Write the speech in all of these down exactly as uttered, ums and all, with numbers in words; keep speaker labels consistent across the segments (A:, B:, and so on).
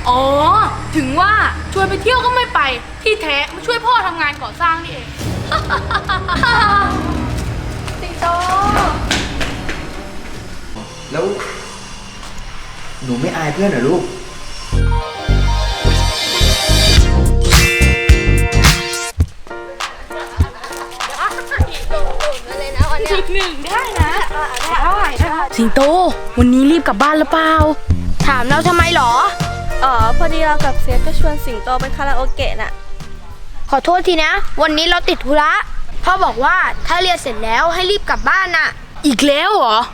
A: อ๋อถึงว่าชวนไปเที่ยวก็ไม่ไปที่แท้มาช่วยพ่อทำงานก่อสร้างนี่เอง
B: สิงโต
C: แล้วหนูไม่อายเพื่อนเหรอลูก
A: หนึ่งได้นะได้สิงโตวันนี้รีบกลับบ้านหรือเปล่าถามเราทำไมหรอ
B: อ๋อพอดีเรากับเซฟก็ชวนสิงโตไปคาราโอเกะน่ะ
D: ขอโทษทีนะวันนี้เราติดธุระพ่อบอกว่าถ้าเรียนเสร็จแล้วให้รีบกลับบ้านน่ะ
A: อีกแล้วเหรอ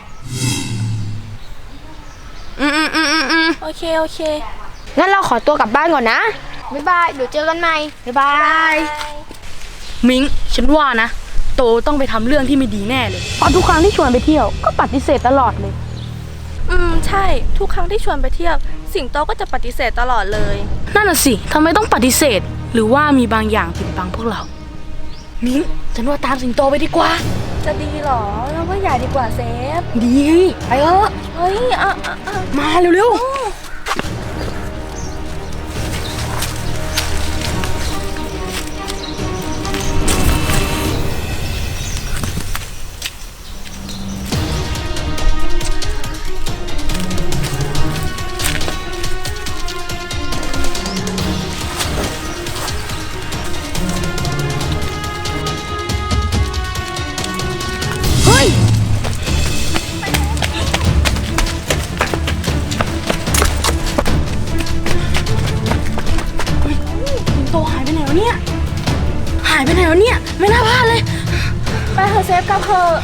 A: อืมอืมอืมอืมอืม
B: โอเคโอเค
D: งั้นเราขอตัวกลับบ้านก่อนนะบ๊ายบายเดี๋ยวเจอกันใหม่บ๊ายบาย
A: มิงฉันว่านะโตต้องไปทำเรื่องที่ไม่ดีแน่เลยเพราะทุกครั้งที่ชวนไปเที่ยวก็ปฏิเสธตลอดเลย
B: อืมใช่ทุกครั้งที่ชวนไปเที่ยวสิงโตก็จะปฏิเสธตลอดเลย
A: นั่นน่ะสิทำไมต้องปฏิเสธหรือว่ามีบางอย่างปิดบังพวกเรามิ้งฉันว่าตามสิงโตไปดีกว่า
B: จะดีหรอเราว่าอย่าดีกว่าเซฟ
A: ดีไปเถอะ
B: เฮ้ยอ่ะอ่ะ
A: มาเร็วๆหายไปไหนวะเนี่ยไม่น่าพลาดเลย
B: ไปเถอะเซฟกลับเถอะ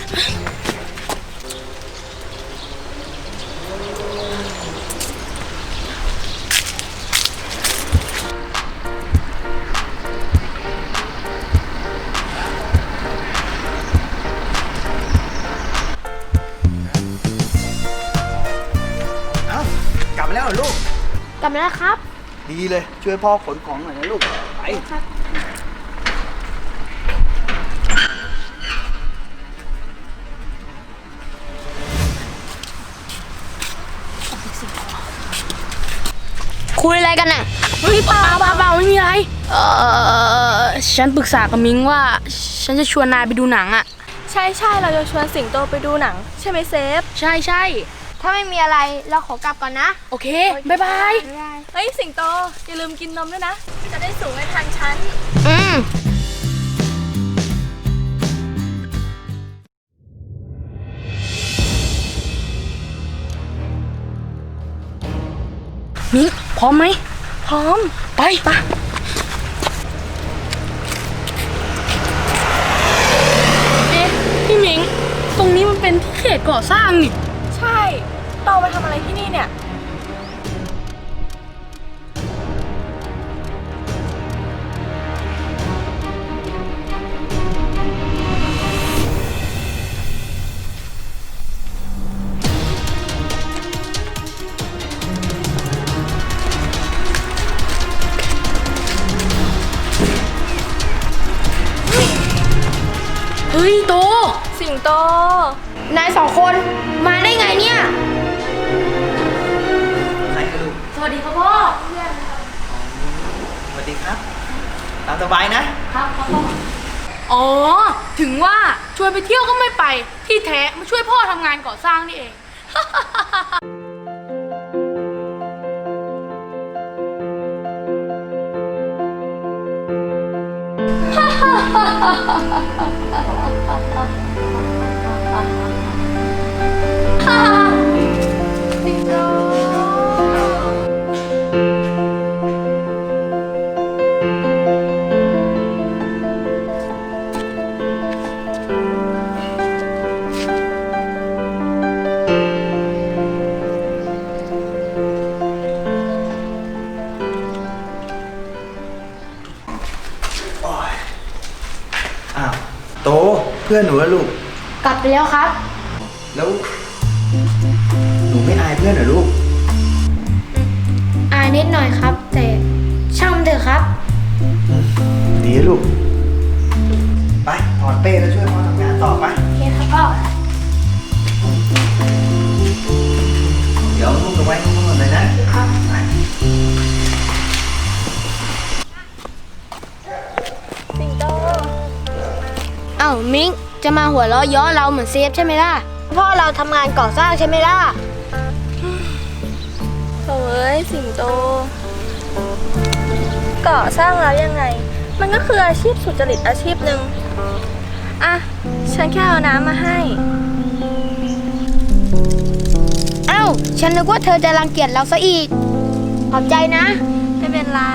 C: เอ้ากลับมาแล้วเหรอลูก
D: กลับมาแล้วครับ
C: ดีเลยช่วยพ่อขนของหน่อยนะลูกไป
D: คุยอะไรกันน่ะ
A: เฮ้ยเปล่าเปล่าเปล่าไม่มีอะไรเออฉันปรึกษากับมิงว่าฉันจะชวนนายไปดูหนังอ่ะ
B: ใช่ใช่เราจะชวนสิงโตไปดูหนังใช่ไหมเซฟ
A: ใช่ใช่
D: ถ้าไม่มีอะไรเราขอกลับก่อนนะ
A: โอเคบ๊ายบาย
B: เฮ้ยสิงโตอย่าลืมกินนมด้วยนะจะได้สูงให้ทันฉัน
D: อืม
A: มิงพร้อมไหม
B: พร้อม
A: ไปไปเอ๊ะพี่มิงตรงนี้มันเป็นที่เขตก่อสร้างนี่
B: ใช่โตมาทำอะไรที่นี่เนี่ย
A: เฮ้ยโต
B: สิงโต
D: นายสองคนมาได้ไงเนี่ย
C: ใครกันลูก
A: สวัสดีครับพ่อ
C: สวัสดีครับตามสบายนะครับ
A: ครับพ่ออ๋อถึงว่าชวนไปเที่ยวก็ไม่ไปที่แท้มาช่วยพ่อทำงานก่อสร้างนี่เอง
D: สิงโต
C: อ้าวโตเพื่อนหนูแล้วลูก
D: กลับไปแล้วครับ
C: แล้วหนูไม่อายเพื่อนเหรอลูก
D: อายนิดหน่อยครับแต่ช่างมันเถอะครับ
C: ดีลูกไปถอดเป้แล้วช่วยพ่อทำงานต่อไป
D: โอเคครับพ่อ
C: เดี๋ยวลูกจะไว้ข้างบนเลยนะครับ
D: อ้าวมิงจะมาหัวเราะเย้อเราเหมือนเซฟใช่ไหมล่ะพ่อเราทำงานก่อสร้างใช่ไหมล่ะ
B: โถ่เอ้ยสิงโตก่อสร้างแล้วยังไง มันก็คืออาชีพสุจริตอาชีพหนึ่งอ่ะฉันแค่เอาน้ำมาให้
D: เอ้าฉันนึกว่าเธอจะรังเกียจเราซะอีกขอบใจนะ
B: ไม่เป็นไร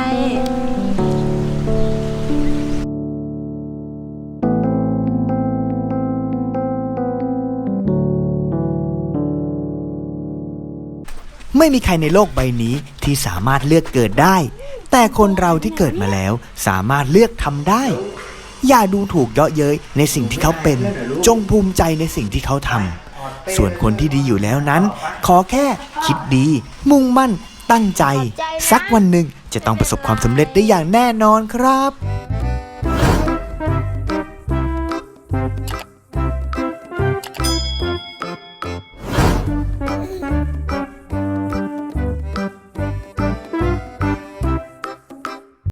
C: ไม่มีใครในโลกใบนี้ที่สามารถเลือกเกิดได้ แต่คนเราที่เกิดมาแล้วสามารถเลือกทำได้ อย่าดูถูกเยาะเย้ยในสิ่งที่เขาเป็น จงภูมิใจในสิ่งที่เขาทำส่วนคนที่ดีอยู่แล้วนั้น ขอแค่คิดดี มุ่งมั่น ตั้งใจ สักวันหนึ่งจะต้องประสบความสำเร็จได้อย่างแน่นอนครับ